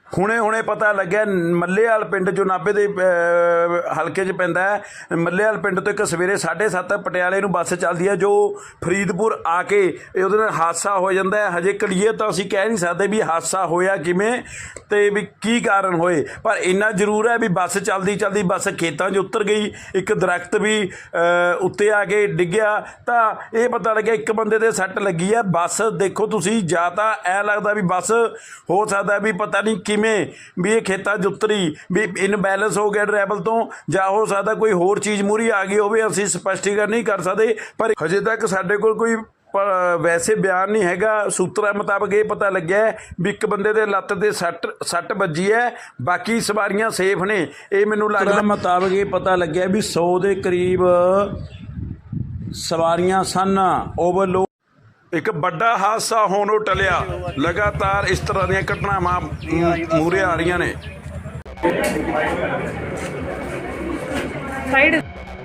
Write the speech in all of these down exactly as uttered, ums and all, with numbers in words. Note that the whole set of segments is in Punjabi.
ਹੁਣੇ ਹੁਣੇ ਪਤਾ ਲੱਗਿਆ ਮੱਲੇਵਾਲ ਪਿੰਡ ਜੋ ਨਾਭੇ ਦੇ ਹਲਕੇ 'ਚ ਪੈਂਦਾ ਹੈ। ਮੱਲੇਵਾਲ ਪਿੰਡ ਤੋਂ ਇੱਕ ਸਵੇਰੇ ਸਾਢੇ ਸੱਤ ਪਟਿਆਲੇ ਨੂੰ ਬੱਸ ਚੱਲਦੀ ਹੈ ਜੋ ਫਰੀਦਪੁਰ ਆ ਕੇ ਇਹ ਉਹਦੇ ਨਾਲ ਹਾਦਸਾ ਹੋ ਜਾਂਦਾ ਹੈ। ਹਜੇ ਕਲੀਅਰ ਤਾਂ ਅਸੀਂ ਕਹਿ ਨਹੀਂ ਸਕਦੇ ਵੀ ਹਾਦਸਾ ਹੋਇਆ ਕਿਵੇਂ ਅਤੇ ਵੀ ਕੀ ਕਾਰਨ ਹੋਏ, ਪਰ ਇੰਨਾ ਜ਼ਰੂਰ ਹੈ ਵੀ ਬੱਸ ਚੱਲਦੀ ਚੱਲਦੀ ਬੱਸ ਖੇਤਾਂ 'ਚ ਉਤਰ ਗਈ, ਇੱਕ ਦਰਖਤ ਵੀ ਉੱਤੇ ਆ ਕੇ ਡਿੱਗਿਆ ਤਾਂ ਇਹ ਪਤਾ ਲੱਗਿਆ ਇੱਕ ਬੰਦੇ ਦੇ ਸੱਟ ਲੱਗੀ ਹੈ। ਬੱਸ ਦੇਖੋ ਤੁਸੀਂ, ਜਾਂ ਤਾਂ ਐਂ ਲੱਗਦਾ ਵੀ ਬੱਸ ਹੋ ਸਕਦਾ ਵੀ ਪਤਾ ਨਹੀਂ ਕਿਵੇਂ ਵੀ ਇਹ ਖੇਤਾਂ 'ਚ ਉਤਰੀ ਵੀ ਇਨਬੈਲੈਂਸ ਹੋ ਗਿਆ ਡਰਾਈਵਰ ਤੋਂ, ਜਾਂ ਹੋ ਸਕਦਾ ਕੋਈ ਹੋਰ ਚੀਜ਼ ਮੂਹਰੀ ਆ ਗਈ ਹੋਵੇ, ਅਸੀਂ ਸਪਸ਼ਟੀਕਰਨ ਨਹੀਂ ਕਰ ਸਕਦੇ। ਪਰ ਹਜੇ ਤੱਕ ਸਾਡੇ ਕੋਲ ਕੋਈ ਪਰ ਵੈਸੇ ਬਿਆਨ ਨਹੀਂ ਹੈਗਾ। ਸੂਤਰਾਂ ਮੁਤਾਬਕ ਇਹ ਪਤਾ ਲੱਗਿਆ ਵੀ ਇੱਕ ਬੰਦੇ ਦੇ ਲੱਤ ਦੇ ਸੱਟ ਸੱਟ ਵੱਜੀ ਹੈ, ਬਾਕੀ ਸਵਾਰੀਆਂ ਸੇਫ ਨੇ। ਇਹ ਮੈਨੂੰ ਲੱਗਦਾ ਮੁਤਾਬਕ ਇਹ ਪਤਾ ਲੱਗਿਆ ਵੀ ਸੌ ਦੇ ਕਰੀਬ ਸਵਾਰੀਆਂ ਸਨ। ਓਵਰਲੋਡ ਇੱਕ ਵੱਡਾ ਹਾਦਸਾ ਹੋਣੋਂ ਟਲਿਆ। ਲਗਾਤਾਰ ਇਸ ਤਰ੍ਹਾਂ ਦੀਆਂ ਘਟਨਾਵਾਂ ਮੂਹਰੇ ਆ ਰਹੀਆਂ ਨੇ। ਸਾਈਡ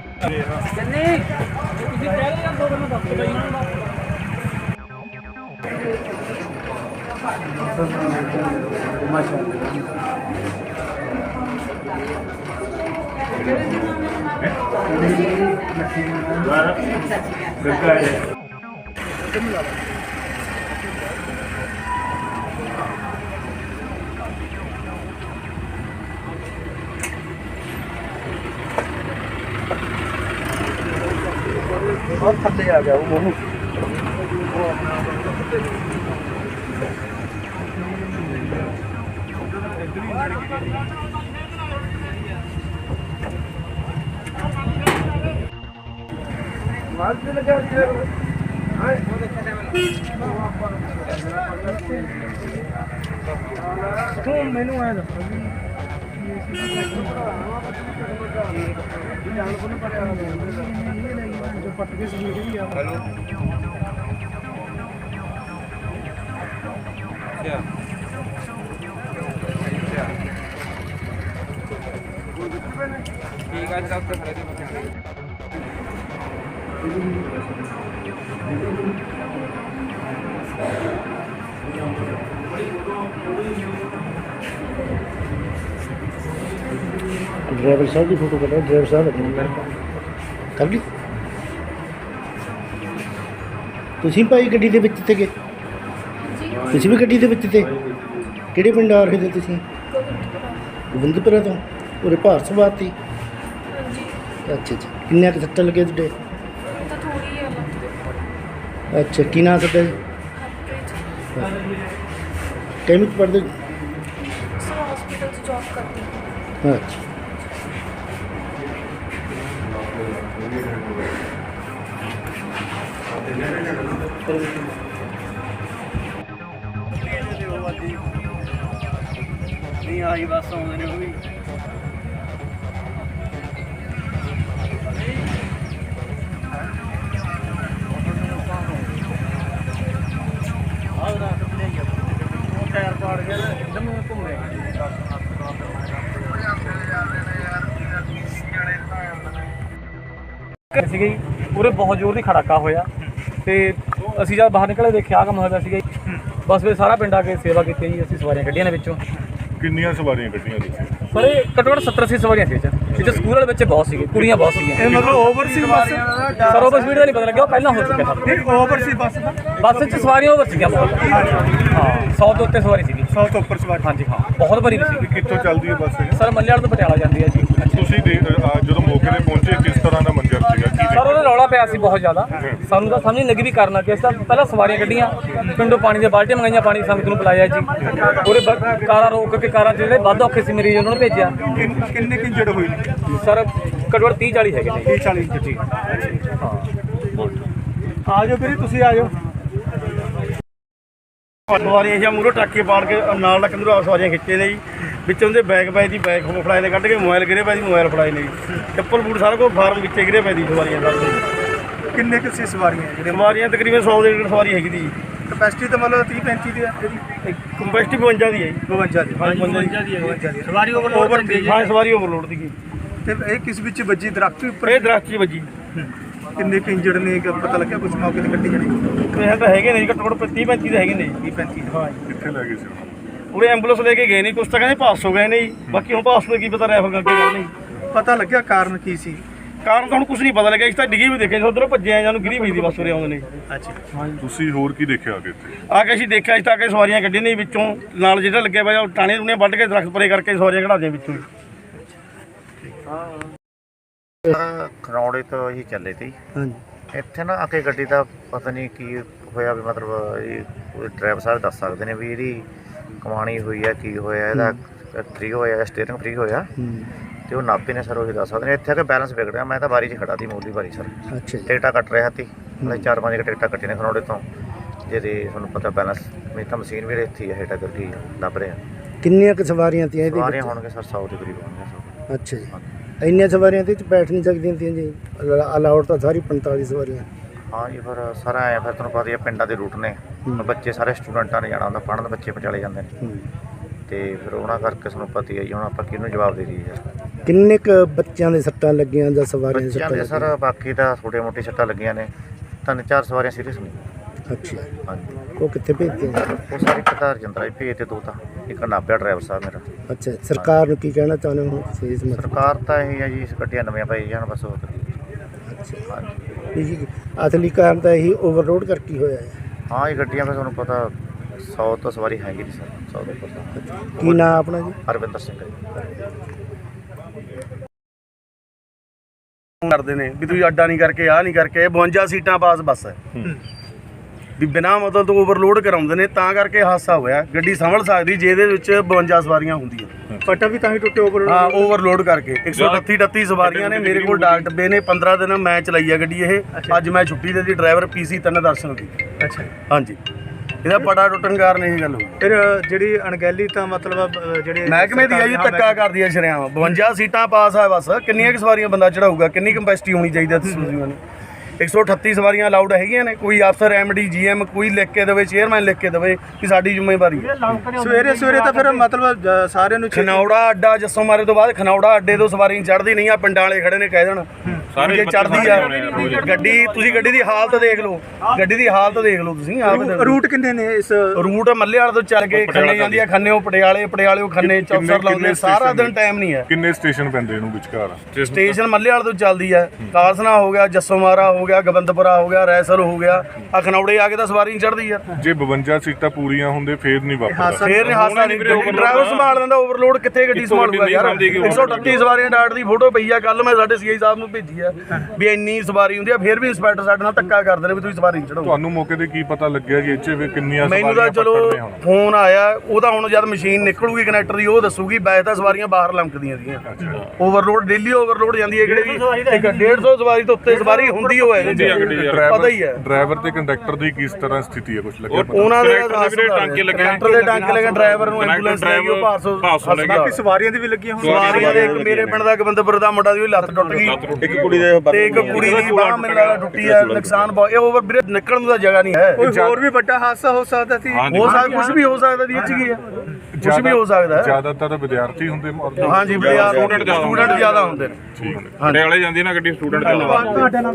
बहुत थल्ले आ गया वो मैनू आया पट के हेलो ठीक है डॉक्टर ड्राइवर साहब की फोटो कटा ड्राइवर साहब कर ली ਤੁਸੀਂ ਭਾਈ ਗੱਡੀ ਦੇ ਵਿੱਚ ਸੀਗੇ? ਤੁਸੀਂ ਵੀ ਗੱਡੀ ਦੇ ਵਿੱਚ ਤੇ? ਕਿਹੜੇ ਪਿੰਡ ਆ ਰਹੇ ਤੇ ਤੁਸੀਂ? ਗੋਬਿੰਦਪੁਰਾ ਤੋਂ? ਉਰੇ ਭਾਰ ਸਵਾਰ ਤੀ? ਅੱਛਾ ਅੱਛਾ, ਕਿੰਨੇ ਕੁ ਸੱਟਾਂ ਲੱਗੇ ਤੁਹਾਡੇ? ਅੱਛਾ, ਕੀ ਨਾਂ ਤੁਹਾਡਾ ਜੀ? ਕਿਹਨੂੰ ਪੜ੍ਹਦੇ? हॉस्पिटल से जॉब करती हूँ। अच्छा नहीं आई बस आने ने भी टायर पाड़ गया एकदम घूम रहे ਸੀਗਾ ਜੀ। ਉਰੇ ਬਹੁਤ ਜ਼ੋਰ ਦੀ ਖੜਾਕਾ ਹੋਇਆ ਤੇ ਅਸੀਂ ਜਦ ਬਾਹਰ ਨਿਕਲੇ ਦੇਖਿਆ ਕੰਮ ਹੋਇਆ ਸੀਗਾ ਜੀ। ਬਸ ਫਿਰ ਸਾਰਾ ਪਿੰਡ ਆ ਕੇ ਸੇਵਾ ਕੀਤੀ ਜੀ। ਅਸੀਂ ਸਵਾਰੀਆਂ ਕੱਢੀਆਂ ਨੇ ਵਿੱਚੋਂ। ਕਿੰਨੀਆਂ ਸਵਾਰੀਆਂ ਕੱਢੀਆਂ ਤੁਸੀਂ? ਪਰ ਇਹ ਘੱਟੋ ਘੱਟ ਸੱਤਰ ਅੱਸੀ ਸਵਾਰੀਆਂ ਸੀ ਇਹ ਸਕੂਲ ਵਾਲੇ ਬੱਚੇ ਬਹੁਤ ਸੀਗੇ, ਕੁੜੀਆਂ ਬਹੁਤ ਸੀਗੀਆਂ। ਇਹ ਮਤਲਬ ਓਵਰ ਸੀ ਬੱਸ? ਸਰ ਓਵਰ ਸਪੀਡ ਦਾ ਨਹੀਂ ਪਤਾ ਲੱਗਿਆ, ਉਹ ਪਹਿਲਾਂ ਹੋ ਚੁੱਕਿਆ ਸਰ। ਨਹੀਂ ਓਵਰ ਸੀ ਬੱਸ ਦਾ? ਬੱਸ 'ਚ ਸਵਾਰੀਆਂ ਓਵਰ ਸੀਗੀਆਂ ਬਹੁਤ। ਹਾਂ, ਸੌ ਤੋਂ ਉੱਤੇ ਸਵਾਰੀ ਸੀਗੀ। ਸੌ ਤੋਂ ਉੱਪਰ ਸਵਾਰੀ? ਹਾਂਜੀ ਹਾਂ, ਬਹੁਤ ਭਰੀ ਸੀਗੀ। ਕਿੱਥੋਂ ਚੱਲਦੀ ਹੈ ਬੱਸ ਇਹ? ਸਰ ਮੱਲੇਵਾਲ ਤੋਂ ਪਟਿਆਲਾ ਜਾਂਦੀ ਹੈ ਜੀ। ਤੁਸੀਂ ਦੇ- ਅਹ ਜਦੋਂ ਮੌਕੇ ਤੇ ਪਹੁੰਚੇ ਕਿਸ ਤਰ੍ਹਾਂ ਦਾ ਮੰਜ਼ਰ ਸੀਗਾ? ਕੀ ਸਰ ਉਹਦਾ ਰੌਲਾ ਪਿਆ ਸੀ ਬਹੁਤ ਜ਼ਿਆਦਾ। ਸਾਨੂੰ ਤਾਂ ਸਮਝ ਨਹੀਂ ਲੱਗੀ ਵੀ ਕਰਨਾ ਕਿਸ ਤਰ੍ਹਾਂ। ਪਹਿਲਾਂ ਸਵਾਰੀਆਂ ਕੱਢੀਆਂ, ਪਿੰਡੋਂ ਪਾਣੀ ਦੀਆਂ ਬਾਲਟੀਆਂ ਮੰਗਾਈਆਂ, ਪਾਣੀ ਸੰਗਤ ਨੂੰ ਪਿਲਾਇਆ ਜੀ। ਉਹਦੇ ਕਾਰਾਂ ਰੋਕ ਕੇ ਕਾਰਾਂ ਜਿਹੜੇ ਵੱਧ ਔਖੇ ਸੀ ਮਰੀਜ਼ ਉਹਨਾਂ ਨੂੰ ਭੇਜਿਆ। ਕਿੰਨੇ ਕਿ ਇੰਜਰਡ ਹੋਏ ਨੇ ਸਰ ਘੱਟੋ ਘੱਟ ਤੀਹ ਚਾਲੀ ਹੈਗੇ ਨੇ। ਤੀਹ ਚਾਲੀ ਜੀ? ਹਾਂ, ਆ ਜਾਓ ਵੀਰੇ, ਤੁਸੀਂ ਆ ਜਾਓ। ਸਵਾਰੀਆਂ ਜਾਂ ਮੂਹਰੋਂ ਟਰੱਕੇ ਪਾੜ ਕੇ ਨਾਲ ਲੱਕ ਨੂੰ ਸਵਾਰੀਆਂ ਖਿੱਚੇ ਨੇ ਜੀ। ਵਿੱਚੋਂ ਦੇ ਬੈਗ ਪਏ ਦੀ ਬੈਗ ਹੋ ਫੜਾਏ ਨੇ, ਕੱਢ ਕੇ ਮੋਬਾਈਲ ਗਿਰੇ ਪਏ ਦੀ ਮੋਬਾਈਲ ਫੜਾਏ ਨੇ ਜੀ। ਚੱਪਲ ਬੂਟ ਸਾਰਾ ਕੁਝ ਫਾਰਮ ਵਿੱਚੇ ਗਿਰੇ ਪਏ ਦੀ ਸਵਾਰੀਆਂ ਦਾ। ਕਿੰਨੇ ਕੁ ਸੀ ਸਵਾਰੀਆਂ? ਜਿਹੜੇ ਸਵਾਰੀਆਂ ਤਕਰੀਬਨ ਸੌ ਦੇ ਡੇਢ ਸਵਾਰੀ ਹੈਗੀ ਦੀ। ਕਪੈਸਿਟੀ ਤਾਂ ਮਤਲਬ ਤੀਹ ਪੈਂਤੀ ਦੀ ਹੈ ਇਹਦੀ? ਕਪੈਸਿਟੀ ਬਵੰਜਾ ਦੀ ਹੈ ਜੀ। ਬਵੰਜਾ ਦੀ? ਹਾਂ ਬਵੰਜਾ ਦੀ ਹੈ। ਸਵਾਰੀ ਓਵਰਲੋਡ? ਹਾਂ, ਸਵਾਰੀ ਓਵਰਲੋਡ ਦੀ। ਤੇ ਇਹ ਕਿਸ ਵਿੱਚ ਵੱਜੀ? ਦਰਖਤ ਉੱਪਰ? ਇਹ ਦਰਖਤ 'ਚ ਵੱਜੀ। ਕਿੰਨੇ ਕੁ ਇੰਜਰਡ ਨੇ ਪਤਾ ਲੱਗਿਆ ਕੁਝ ਮੌਕੇ ਤੇ ਕੱਟੀ ਜਾਣੀ? ਇਹ ਤਾਂ ਹੈਗੇ ਨੇ ਜੀ, ਘੱਟੋ ਘੱਟ ਤੀਹ ਪੈਂਤੀ ਦੇ ਹੈਗੇ ਨੇ ਜੀ। ਤੀਹ ਪੈਂਤੀ? ਹਾਂ। ਕਿੱਥੇ ਲੈ ਗਏ ਸੀ? ਪੂਰੇ ਐਂਬੂਲੈਂਸ ਲੈ ਕੇ ਗਏ ਨੇ, ਕੁਛ ਤਾਂ ਕਹਿੰਦੇ ਪਾਸ ਹੋ ਗਏ ਨੇ ਜੀ, ਬਾਕੀ ਹੁਣ ਪਾਸ ਤੋਂ ਕੀ ਪਤਾ ਰੈਫਰ ਕਰਕੇ ਗੱਲ ਨਹੀਂ ਪਤਾ ਲੱਗਿਆ ਕਾਰਨ ਕੀ ਸੀ? ਕਾਰਨ ਤਾਂ ਹੁਣ ਕੁਝ ਨਹੀਂ ਪਤਾ ਲੱਗਿਆ, ਇਸ ਤਾਂ ਡਿੱਗੀ ਵੀ ਦੇਖਿਆ, ਉਧਰੋਂ ਭੱਜੇ ਆ ਜਾਨੂੰ ਗਿਰੀ ਪਈ ਦੀ ਬੱਸ ਉਰੇ ਆਉਂਦੇ ਨੇ। ਅੱਛਾ, ਤੁਸੀਂ ਹੋਰ ਕੀ ਦੇਖਿਆ ਅੱਗੇ ਇੱਥੇ? ਆ ਕੇ ਅਸੀਂ ਦੇਖਿਆ, ਇਸ ਤਾਂ ਆ ਕੇ ਸਵਾਰੀਆਂ ਕੱਢੀਆਂ ਨੇ ਵਿੱਚੋਂ, ਨਾਲ ਜਿਹੜਾ ਲੱਗਿਆ ਪਿਆ ਉਹ ਟਾਣੇ ਟੂਣੇ ਵੱਢ ਕੇ ਦਰਖਤ ਪਰੇ ਕਰਕੇ ਸਵਾਰੀਆਂ ਕਢਾਉਂਦੇ ਵਿੱਚੋਂ। ਖਰੌੜੇ ਤੋਂ ਹੀ ਚੱਲੇ ਸੀ। ਹਾਂਜੀ। ਇੱਥੇ ਨਾ ਆ ਕੇ ਗੱਡੀ ਦਾ ਪਤਾ ਨਹੀਂ ਕੀ ਹੋਇਆ ਵੀ ਮਤਲਬ ਇਹ ਕੋਈ ਡਰਾਈਵਰ ਸਾਹਿਬ ਦੱਸ ਸਕਦੇ ਨੇ ਵੀ ਇਹਦੀ ਕਮਾਣੀ ਹੋਈ ਹੈ, ਕੀ ਹੋਇਆ, ਇਹਦਾ ਫ੍ਰੀ ਹੋਇਆ, ਸਟੀਅਰਿੰਗ ਫ੍ਰੀ ਹੋਇਆ ਤੇ ਉਹ ਨਾਪੇ ਨੇ ਸਰ ਉਹੀ ਦੱਸ ਸਕਦੇ ਨੇ। ਇੱਥੇ ਆ ਕੇ ਬੈਲੈਂਸ ਵਿਗੜਿਆ, ਮੈਂ ਤਾਂ ਬਾਰੀ 'ਚ ਖੜਾ ਸੀ, ਮੂਲੀ ਬਾਰੀ ਸਰ। ਅੱਛਾ ਜੀ। ਟਿਕਟਾਂ ਕੱਟ ਰਿਹਾ ਸੀ, ਮੈਂ ਚਾਰ ਪੰਜ ਟਿਕਟਾਂ ਕੱਟੀਆਂ ਨੇ ਖਰੌੜੇ ਤੋਂ, ਜਿਹਦੇ ਤੁਹਾਨੂੰ ਪਤਾ ਬੈਲੈਂਸ ਮੇਰੀ ਤਾਂ ਮਸ਼ੀਨ ਵੀ ਇੱਥੇ ਹੈ ਹੇਠਾਂ ਕਰਕੇ ਲੱਭ ਰਿਹਾ। ਕਿੰਨੀਆਂ ਕੁ ਸਵਾਰੀਆਂ ਤੀਆਂ ਇਹਦੇ ਸਵਾਰੀਆਂ ਵਿੱਚ? ਹੋਣਗੇ ਸਰ ਸੌ ਦੇ ਕਰੀਬ ਹੋਣਗੇ। ਅੱਛਾ ਜੀ। ਇੰਨੀਆਂ ਸਵਾਰੀਆਂ ਤੇ ਬੈਠ ਨਹੀਂ ਸਕਦੀਆਂ ਤੀਆਂ ਜੀ? ਅਲਾਉਡ ਤਾਂ ਸਾਰੀ ਪੰਤਾਲੀ ਸਵਾਰੀਆਂ। ਹਾਂ ਜੀ, ਫਿਰ ਸਾਰਾ ਆਇਆ ਫਿਰ ਤੁਹਾਨੂੰ ਪਤਾ ਹੀ ਹੈ ਪਿੰਡਾਂ ਦੇ ਰੂਟ ਨੇ, ਬੱਚੇ ਸਾਰੇ ਸਟੂਡੈਂਟਾਂ ਨੇ ਜਾਣਾ ਹੁੰਦਾ, ਪੜ੍ਹਨ ਬੱਚੇ ਪਟਿਆਲੇ ਜਾਂਦੇ ਨੇ ਤੇ ਫਿਰ ਉਹਨਾਂ ਕਰਕੇ ਤੁਹਾਨੂੰ ਪਤਾ ਹੀ ਹੈ ਜੀ, ਹੁਣ ਆਪਾਂ ਕਿਹਨੂੰ ਜਵਾਬ ਦੇ ਦਈਏ ਯਾਰ। ਕਿੰਨੇ ਕੁ ਬੱਚਿਆਂ ਦੇ ਸੱਟਾਂ ਲੱਗੀਆਂ ਜਾਂ ਸਵਾਰੀਆਂ ਦੇ ਬੱਚਿਆਂ ਸੱਟਾਂ ਦੇ ਸਰ ਬਾਕੀ ਤਾਂ ਛੋਟੇ ਮੋਟੇ ਸੱਟਾਂ ਲੱਗੀਆਂ ਨੇ, ਤਿੰਨ ਚਾਰ ਸਵਾਰੀਆਂ ਸੀਰੀਅਸ ਨੇ। ਅੱਛਾ, ਹਾਂਜੀ, ਉਹ ਕਿੱਥੇ ਭੇਜਦੇ ਆ? ਉਹ ਸਾਰੇ ਪਤਾ ਰਜਿੰਦਰਾ ਭੇਜ ਤੇ ਦੋ ਤਾਂ, ਇੱਕ ਨਾਭਿਆ ਡਰਾਈਵਰ ਸਾਹਿਬ ਮੇਰਾ। ਅੱਛਾ, ਸਰਕਾਰ ਨੂੰ ਕੀ ਕਹਿਣਾ ਚਾਹੁੰਦੇ ਹੋ ਤੁਸੀਂ ਇਸ ਮਸਲੇ? ਸਰਕਾਰ ਤਾਂ ਇਹ ਹੈ ਜੀ, ਇਸ ਗੱਡੀਆਂ ਨਵੀਆਂ ਪਾਈ ਜਾਣ ਬਸ ਹੋਰ ਕੀ। ਅੱਛਾ ਹਾਂਜੀ, ਜੀ, ਅਸਲੀ ਕਾਰਨ ਤਾਂ ਇਹੀ ਓਵਰਲੋਡ ਕਰਕੇ ਹੀ ਹੋਇਆ ਹੈ। ਹਾਂ ਇਹ ਗੱਡੀਆਂ ਫਿਰ ਤੁਹਾਨੂੰ ਪਤਾ ਸੌ ਤੋਂ ਸਵਾਰੀ ਹੈਗੀ ਨਹੀਂ ਸਰ, ਸੌ ਦੇ ਉੱਪਰ ਤਾਂ। ਕੀ ਨਾਮ ਆਪਣਾ ਜੀ? ਹਰਵਿੰਦਰ ਸਿੰਘ ਹੈ ਜੀ। ਕਰਦੇ ਨੇ ਵੀ ਤੁਸੀਂ ਅੱਡਾ ਨਹੀਂ ਕਰਕੇ ਆਹ ਨਹੀਂ ਕਰਕੇ, ਇਹ ਬਵੰਜਾ ਸੀਟਾਂ ਪਾਸ ਬੱਸ ਹੈ ਵੀ ਬਿਨਾਂ ਮਤਲਬ ਤੋਂ ਓਵਰਲੋਡ ਕਰਾਉਂਦੇ ਨੇ, ਤਾਂ ਕਰਕੇ ਹਾਦਸਾ ਹੋਇਆ। ਗੱਡੀ ਸੰਭਲ ਸਕਦੀ ਜੇ ਇਹਦੇ ਵਿੱਚ ਬਵੰਜਾ ਸਵਾਰੀਆਂ ਹੁੰਦੀਆਂ, ਪਟਾ ਵੀ ਤਾਂ ਹੀ ਟੁੱਟੇ ਓਵਰਲੋਡ। ਹਾਂ ਓਵਰਲੋਡ ਕਰਕੇ ਇੱਕ ਸੌ ਅਠੱਤੀ ਅਠੱਤੀ ਸਵਾਰੀਆਂ ਨੇ। ਮੇਰੇ ਕੋਲ ਡਾਕ ਡੱਬੇ ਨੇ, ਪੰਦਰਾਂ ਦਿਨ ਮੈਂ ਚਲਾਈ ਆ ਗੱਡੀ ਇਹ। ਅੱਜ ਮੈਂ ਛੁੱਟੀ ਦੇ ਦੀ, ਡਰਾਈਵਰ ਪੀਸੀ ਤਿੰਨ ਦਰਸ਼ਨ ਦੀ। ਅੱਛਾ, ਹਾਂਜੀ, ਇਹਦਾ ਬੜਾ ਟੁੱਟਣ ਕਾਰਨ ਇਹ ਗੱਲ ਹੋਈ। ਫਿਰ ਜਿਹੜੀ ਅਣਗਹਿਲੀ ਤਾਂ ਮਤਲਬ ਜਿਹੜੇ ਮਹਿਕਮੇ ਦੀ ਆ ਜੀ, ਧੱਕਾ ਕਰਦੀ ਆ ਸ਼ਰਿਆਮ। ਬਵੰਜਾ ਸੀਟਾਂ ਪਾਸ ਆ ਬਸ, ਕਿੰਨੀਆਂ ਕੁ ਸਵਾਰੀਆਂ ਬੰਦਾ ਚੜਾਊਗਾ, ਕਿੰਨੀ ਕੰਪੈਸਿਟੀ ਹੋਣੀ ਚਾਹੀਦੀ ਹੈ ਸਵਾਰੀਆਂ ਨੂੰ? ਇੱਕ ਸੌ ਅਠੱਤੀ ਸਵਾਰੀਆਂ ਅਲਾਉਡ ਹੈਗੀਆਂ ਨੇ। ਕੋਈ ਅਫਸਰ ਐਮਡੀ ਜੀਐਮ ਕੋਈ ਲਿਖ ਕੇ ਦੇਵੇ, ਚੇਅਰਮੈਨ ਲਿਖ ਕੇ ਦੇਵੇ ਕਿ ਸਾਡੀ ਜ਼ਿੰਮੇਵਾਰੀ ਹੈ। ਸਵੇਰੇ ਸਵੇਰੇ ਤਾਂ ਫਿਰ ਮਤਲਬ ਸਾਰਿਆਂ ਨੂੰ ਖਨੌੜਾ ਅੱਡਾ ਜੱਸੋ ਮਾਰੇ ਤੋਂ ਬਾਅਦ ਖਨੌੜਾ ਅੱਡੇ ਤੋਂ ਸਵਾਰੀ ਚੜ੍ਹਦੀ ਨਹੀਂ ਆ, ਪਿੰਡਾਂ ਵਾਲੇ ਖੜੇ ਨੇ ਕਹਿ ਦੇਣ ਸਾਰੇ ਚੜ੍ਹਦੀ ਆ ਗੱਡੀ। ਤੁਸੀਂ ਗੱਡੀ ਦੀ ਹਾਲਤ ਦੇਖ ਲਓ, ਗੱਡੀ ਦੀ ਹਾਲਤ ਦੇਖ ਲਓ ਤੁਸੀਂ ਆਪ। ਰੂਟ ਕਿੰਨੇ ਨੇ ਇਸ? ਰੂਟ ਮੱਲੇ ਵਾਲੇ ਤੋਂ ਚੱਲ ਕੇ ਖੰਨੇ ਜਾਂਦੀ ਆ, ਖੰਨੇੋਂ ਪਟਿਆਲੇ, ਪਟਿਆਲੇੋਂ ਖੰਨੇ, ਚੌਪਸਰ ਲਾਉਂਦੇ ਸਾਰਾ ਦਿਨ ਟਾਈਮ ਨਹੀਂ ਹੈ। ਕਿੰਨੇ ਸਟੇਸ਼ਨ ਪੈਂਦੇ ਇਹਨੂੰ ਵਿਚਕਾਰ? ਸਟੇਸ਼ਨ ਮੱਲੇ ਵਾਲੇ ਤੋਂ ਚੱਲਦੀ ਆ, ਕਾਲਸਨਾ ਹੋ ਗਿਆ, ਜੱਸੋ ਮਾਰਾ ਹੋ ਗਿਆ, ਗੋਬਿੰਦਪੁਰਾ ਹੋ ਗਿਆ, ਰੈਸਰ ਹੋ ਗਿਆ, ਆ ਖਨੌੜੇ ਆ ਕੇ ਤਾਂ ਸਵਾਰੀ ਨਹੀਂ ਚੜ੍ਹਦੀ ਯਾਰ। ਜੇ ਬਵੰਜਾ ਸੀਟਾਂ ਪੂਰੀਆਂ ਹੁੰਦੇ ਫੇਰ ਨਹੀਂ ਵਾਪਰਦਾ। ਫੇਰ ਨਹੀਂ ਹਾਦਸਾ ਨਹੀਂ, ਡਰਾਈਵਰ ਸੰਭਾਲ ਲੈਂਦਾ, ਓਵਰਲੋਡ ਕਿੱਥੇ ਗੱਡੀ ਸੰਭਾਲੂਗਾ ਯਾਰ। ਇੱਕ ਸੌ ਅਠੱਤੀ ਸਵਾਰੀਆਂ ਡਾਟ ਦੀ ਫੋਟੋ ਪਈ ਆ, ਕੱਲ ਮੈਂ ਸਾਡੇ ਸੀਆਈ ਸਾਹਿਬ ਨੂੰ ਭੇਜੀ ਆ ਵੀ ਇੰਨੀ ਸਵਾਰੀ ਹੁੰਦੀ ਆ, ਫੇਰ ਵੀ ਇੰਸਪੈਕਟਰ ਸਾਡੇ ਨਾਲ ਧੱਕਾ ਕਰਦੇ ਨੇ ਵੀ ਤੁਸੀਂ ਸਵਾਰੀ ਨਹੀਂ ਚੜਾਓ। ਤੁਹਾਨੂੰ ਮੌਕੇ ਤੇ ਕੀ ਪਤਾ ਲੱਗਿਆ ਕਿ ਇੱਥੇ ਵੀ ਕਿੰਨੀਆਂ ਮੈਨੂੰ ਤਾਂ ਸਵਾਰੀਆਂ ਚਲੋ ਪਕੜਦੇ ਹੁਣ? ਫੋਨ ਆਇਆ, ਉਹਦਾ ਹੁਣ ਜਦ ਮਸ਼ੀਨ ਨਿਕਲੂਗੀ ਕਨੈਕਟਰ ਦੀ ਉਹ ਦੱਸੂਗੀ। ਵੈਸੇ ਤਾਂ ਸਵਾਰੀਆਂ ਬਾਹਰ ਲੰਕਦੀਆਂ ਸੀਗੀਆਂ, ਓਵਰਲੋਡ ਡੇਲੀ ਓਵਰਲੋਡ ਜਾਂਦੀ ਹੈ। ਕਿਹੜੇ ਵੀ ਇੱਕ ਡੇਢ ਸੌ ਸਵਾਰੀ ਤੋਂ ਉੱਤੇ ਸਵਾਰੀ ਹੁੰਦੀ ਹੋਏ ਪਤਾ ਹੀ ਹੈ। ਡਰਾਈਵਰ ਤੇ ਕੰਡਕਟਰ ਦੀ ਕਿਸ ਤਰ੍ਹਾਂ ਸਥਿਤੀ ਹੈ, ਕੁਝ ਲੱਗਿਆ ਪਤਾ? ਉਹਨਾਂ ਦੇ ਟਾਂਕੇ ਲੱਗੇ, ਕੰਡਕਟਰ ਦੇ ਟਾਂਕੇ ਲੱਗੇ, ਡਰਾਈਵਰ ਨੂੰ ਐਂਬੂਲੈਂਸ ਲੈ ਗਈ, ਉਹ ਭਾਰਸੋ ਬਾਕੀ ਸਵਾਰੀਆਂ ਦੀ ਵੀ ਲੱਗੀਆਂ ਹੋਣ? ਸਵਾਰੀਆਂ ਦੇ ਇੱਕ ਮੇਰੇ ਪਿੰਡ ਦਾ ਗੋਬਿੰਦਪੁਰ ਦਾ ਮੁੰਡਾ ਦੀ ਉਹ ਲੱਤ ਟੁੱਟ ਗਈ, ਇੱਕ ਕੁੜੀ ਦੇ ਤੇ ਇੱਕ ਕੁੜੀ ਦੀ ਬਾਹ ਮੈਨੂੰ ਲੱਗਦਾ ਟੁੱਟੀ ਹੈ। ਨੁਕਸਾਨ ਬਹੁਤ, ਇਹ ਓਵਰ ਵੀਰੇ ਨਿਕਲਣ ਨੂੰ ਤਾਂ ਜਗ੍ਹਾ ਨਹੀਂ ਹੈ। ਕੋਈ ਹੋਰ ਵੀ ਵੱਡਾ ਹਾਦਸਾ ਹੋ ਸਕਦਾ ਸੀ? ਹੋ ਸਕਦਾ, ਕੁਝ ਵੀ ਹੋ ਸਕਦਾ ਦੀ ਇੱਥੇ ਕੀ ਹੈ, ਕੁਝ ਵੀ ਹੋ ਸਕਦਾ ਹੈ। ਜ਼ਿਆਦਾਤਰ ਵਿਦਿਆਰਥੀ ਹੁੰਦੇ ਮੌਕੇ? ਹਾਂਜੀ, ਸਟੂਡੈਂਟ ਸਟੂਡੈਂਟ ਜ਼ਿਆਦਾ ਹੁੰਦੇ ਨੇ। ਪਟਿਆਲੇ ਜਾਂਦੀ ਨਾ ਗੱਡੀ ਸਟੂਡੈਂਟ ਜ਼ਿਆਦਾ।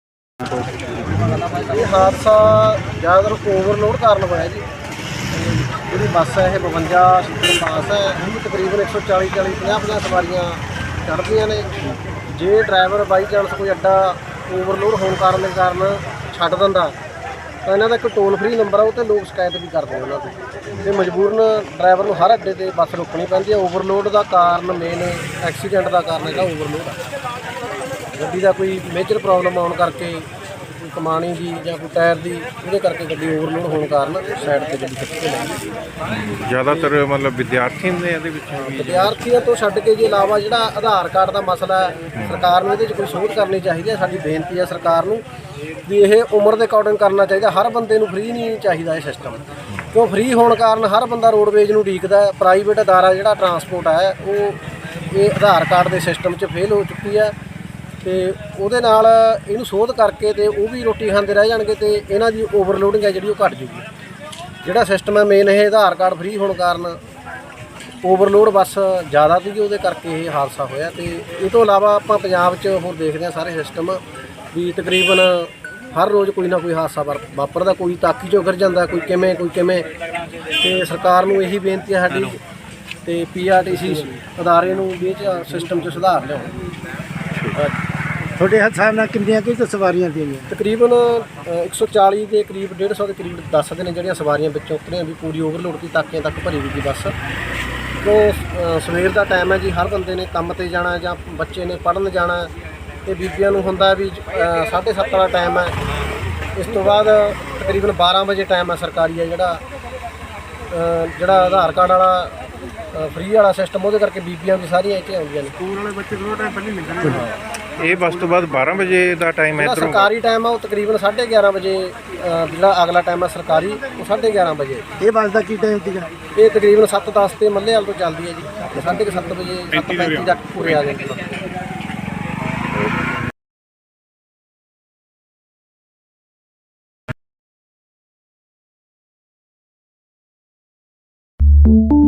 ਇਹ ਹਾਦਸਾ ਜ਼ਿਆਦਾਤਰ ਓਵਰਲੋਡ ਕਾਰਨ ਹੋਇਆ ਜੀ। ਜਿਹੜੀ ਬੱਸ ਹੈ ਇਹ ਬਵੰਜਾ ਸੀਟਾਂ ਪਾਸ ਹੈ, ਇਹਨੂੰ ਤਕਰੀਬਨ ਇੱਕ ਸੌ ਚਾਲੀ ਚਾਲੀ ਪੰਜਾਹ ਪੰਜਾਹ ਸਵਾਰੀਆਂ ਚੜ੍ਹਦੀਆਂ ਨੇ। ਜੇ ਡਰਾਈਵਰ ਬਾਈ ਚਾਂਸ ਕੋਈ ਅੱਡਾ ਓਵਰਲੋਡ ਹੋਣ ਕਾਰਨ ਦੇ ਕਾਰਨ ਛੱਡ ਦਿੰਦਾ ਤਾਂ ਇਹਨਾਂ ਦਾ ਇੱਕ ਟੋਲ ਫ੍ਰੀ ਨੰਬਰ ਆ, ਉਹ 'ਤੇ ਲੋਕ ਸ਼ਿਕਾਇਤ ਵੀ ਕਰਦੇ ਨੇ ਉਹਨਾਂ ਤੋਂ। ਅਤੇ ਮਜਬੂਰਨ ਡਰਾਈਵਰ ਨੂੰ ਹਰ ਅੱਡੇ 'ਤੇ ਬੱਸ ਰੋਕਣੀ ਪੈਂਦੀ ਹੈ। ਓਵਰਲੋਡ ਦਾ ਕਾਰਨ ਮੇਨ ਐਕਸੀਡੈਂਟ ਦਾ ਕਾਰਨ ਜਿਹੜਾ ਓਵਰਲੋਡ ਆ। ਗੱਡੀ ਦਾ ਕੋਈ ਮੇਜਰ ਪ੍ਰੋਬਲਮ ਆਉਣ ਕਰਕੇ, ਕੋਈ ਕਮਾਣੀ ਦੀ ਜਾਂ ਕੋਈ ਟਾਇਰ ਦੀ, ਉਹਦੇ ਕਰਕੇ ਗੱਡੀ ਓਵਰਲੋਡ ਹੋਣ ਕਾਰਨ ਸਾਈਡ 'ਤੇ ਗੱਡੀ ਖਿੱਚ ਕੇ ਲੈ ਗਈ। ਜ਼ਿਆਦਾਤਰ ਮਤਲਬ ਵਿਦਿਆਰਥੀ ਹੁੰਦੇ ਇਹਦੇ ਵਿੱਚ? ਵਿਦਿਆਰਥੀਆਂ ਤੋਂ ਛੱਡ ਕੇ, ਜੇ ਇਲਾਵਾ ਜਿਹੜਾ ਆਧਾਰ ਕਾਰਡ ਦਾ ਮਸਲਾ ਹੈ, ਸਰਕਾਰ ਨੂੰ ਇਹਦੇ 'ਚ ਕੋਈ ਸੋਧ ਕਰਨੀ ਚਾਹੀਦੀ ਹੈ। ਸਾਡੀ ਬੇਨਤੀ ਹੈ ਸਰਕਾਰ ਨੂੰ ਵੀ ਇਹ ਉਮਰ ਦੇ ਅਕੋਰਡਿੰਗ ਕਰਨਾ ਚਾਹੀਦਾ। ਹਰ ਬੰਦੇ ਨੂੰ ਫ੍ਰੀ ਨਹੀਂ ਚਾਹੀਦਾ ਇਹ ਸਿਸਟਮ, ਕਿਉਂ ਫ੍ਰੀ ਹੋਣ ਕਾਰਨ ਹਰ ਬੰਦਾ ਰੋਡਵੇਜ਼ ਨੂੰ ਉਡੀਕਦਾ। ਪ੍ਰਾਈਵੇਟ ਅਦਾਰਾ ਜਿਹੜਾ ਟਰਾਂਸਪੋਰਟ ਹੈ ਉਹ ਇਹ ਆਧਾਰ ਕਾਰਡ ਦੇ ਸਿਸਟਮ 'ਚ ਫੇਲ ਹੋ ਚੁੱਕੀ ਹੈ ਤੇ ਉਹਦੇ ਨਾਲ ਇਹਨੂੰ ਸੋਧ ਕਰਕੇ ਤੇ ਉਹ ਵੀ ਰੋਟੀ ਖਾਂਦੇ ਰਹਿ ਜਾਣਗੇ ਤੇ ਇਹਨਾਂ ਦੀ ਓਵਰਲੋਡਿੰਗ ਹੈ ਜਿਹੜੀ ਉਹ ਘਟ ਜੂਗੀ। ਜਿਹੜਾ ਸਿਸਟਮ ਹੈ ਮੇਨ ਇਹ ਆਧਾਰ ਕਾਰਡ ਫ੍ਰੀ ਹੋਣ ਕਾਰਨ ਓਵਰਲੋਡ ਬੱਸ ਜ਼ਿਆਦਾ ਸੀਗੀ, ਉਹਦੇ ਕਰਕੇ ਇਹ ਹਾਦਸਾ ਹੋਇਆ। ਤੇ ਇਹ ਤੋਂ ਇਲਾਵਾ ਆਪਾਂ ਪੰਜਾਬ 'ਚ ਹੋਰ ਦੇਖਦੇ ਹਾਂ ਸਾਰੇ ਸਿਸਟਮ ਵੀ ਤਕਰੀਬਨ ਹਰ ਰੋਜ਼ ਕੋਈ ਨਾ ਕੋਈ ਹਾਦਸਾ ਵਾਰ- ਵਾਪਰਦਾ, ਕੋਈ ਤਾਕੀ 'ਚੋਂ ਗਿਰ ਜਾਂਦਾ, ਕੋਈ ਕਿਵੇਂ ਕੋਈ ਕਿਵੇਂ। ਤੇ ਸਰਕਾਰ ਨੂੰ ਇਹੀ ਬੇਨਤੀ ਹੈ ਸਾਡੀ ਤੇ ਪੀ ਆਰ ਟੀ ਸੀ ਅਦਾਰੇ ਨੂੰ ਵੀ ਇਹ 'ਚ ਸਿਸਟਮ 'ਚ ਸੁਧਾਰ ਲਿਆਉਣ। ਤੁਹਾਡੇ ਹਿਸਾਬ ਨਾਲ ਕਿੰਨੀਆਂ ਕਿ ਸਵਾਰੀਆਂ ਦੀਆਂ ਤਕਰੀਬਨ ਅ, ਇੱਕ ਸੌ ਚਾਲੀ ਦੇ ਕਰੀਬ ਡੇਢ ਸੌ ਦੇ ਕਰੀਬ ਦੱਸਦੇ ਨੇ ਜਿਹੜੀਆਂ ਸਵਾਰੀਆਂ ਵਿੱਚੋਂ ਉਤਰੀਆਂ ਵੀ ਪੂਰੀ ਓਵਰਲੋਡ ਦੀ ਤਾਕਿਆਂ ਤੱਕ ਭਰੀ ਹੋਈ ਸੀ ਬੱਸ। ਤੋਂ ਅ, ਸਵੇਰ ਦਾ ਟਾਈਮ ਹੈ ਜੀ, ਹਰ ਬੰਦੇ ਨੇ ਕੰਮ ਤੇ ਜਾਣਾ ਜਾਂ ਬੱਚੇ ਨੇ ਪੜ੍ਹਨ ਜਾਣਾ ਤੇ ਬੀਬੀਆਂ ਨੂੰ ਹੁੰਦਾ ਵੀ ਅ, ਸਾਢੇ ਸੱਤ ਵਾਲਾ ਟਾਈਮ ਹੈ। ਇਸ ਤੋਂ ਬਾਅਦ ਤਕਰੀਬਨ ਬਾਰ੍ਹਾਂ ਵਜੇ ਟਾਈਮ ਹੈ ਸਰਕਾਰੀ ਹੈ ਜਿਹੜਾ ਅ, ਜਿਹੜਾ ਆਧਾਰ ਕਾਰਡ ਵਾਲਾ ਫ੍ਰੀ ਵਾਲਾ ਸਿਸਟਮ, ਉਹਦੇ ਕਰਕੇ ਬੀਬੀਆਂ ਵੀ ਸਾਰੀਆਂ ਇੱਥੇ ਆਉਂਦੀਆਂ ਨੇ। ਸਕੂਲ ਵਾਲੇ ਬੱਚੇ ਥੋੜਾ ਟਾਈਮ ਪਹਿਲਾਂ ਨਿਕਲਣਗੇ। ਇਹ ਬੱਸ ਤੋਂ ਬਾਅਦ ਬਾਰਾਂ ਵਜੇ ਦਾ ਟਾਈਮ ਹੈ ਜਿਹੜਾ ਇੱਧਰੋਂ ਸਰਕਾਰੀ ਟਾਈਮ ਆ ਉਹ ਤਕਰੀਬਨ ਸਾਢੇ ਗਿਆਰਾਂ ਵਜੇ, ਅ, ਜਿਹੜਾ ਅਗਲਾ ਟਾਈਮ ਹੈ ਸਰਕਾਰੀ ਉਹ ਸਾਢੇ ਗਿਆਰਾਂ ਵਜੇ। ਇਹ ਬੱਸ ਦਾ ਕੀ ਟਾਈਮ ਸੀਗਾ? ਇਹ ਤਕਰੀਬਨ ਸੱਤ ਦਸ ਤੇ ਮੱਲੇ ਵਾਲ ਤੋਂ ਚੱਲਦੀ ਹੈ ਜੀ, ਤੇ ਸਾਢੇ ਕੁ ਸੱਤ ਵਜੇ ਸੱਤ ਪੈਂਤੀ ਤੱਕ ਪੂਰੇ ਆ ਜਾਂਦੀ ਹੈ।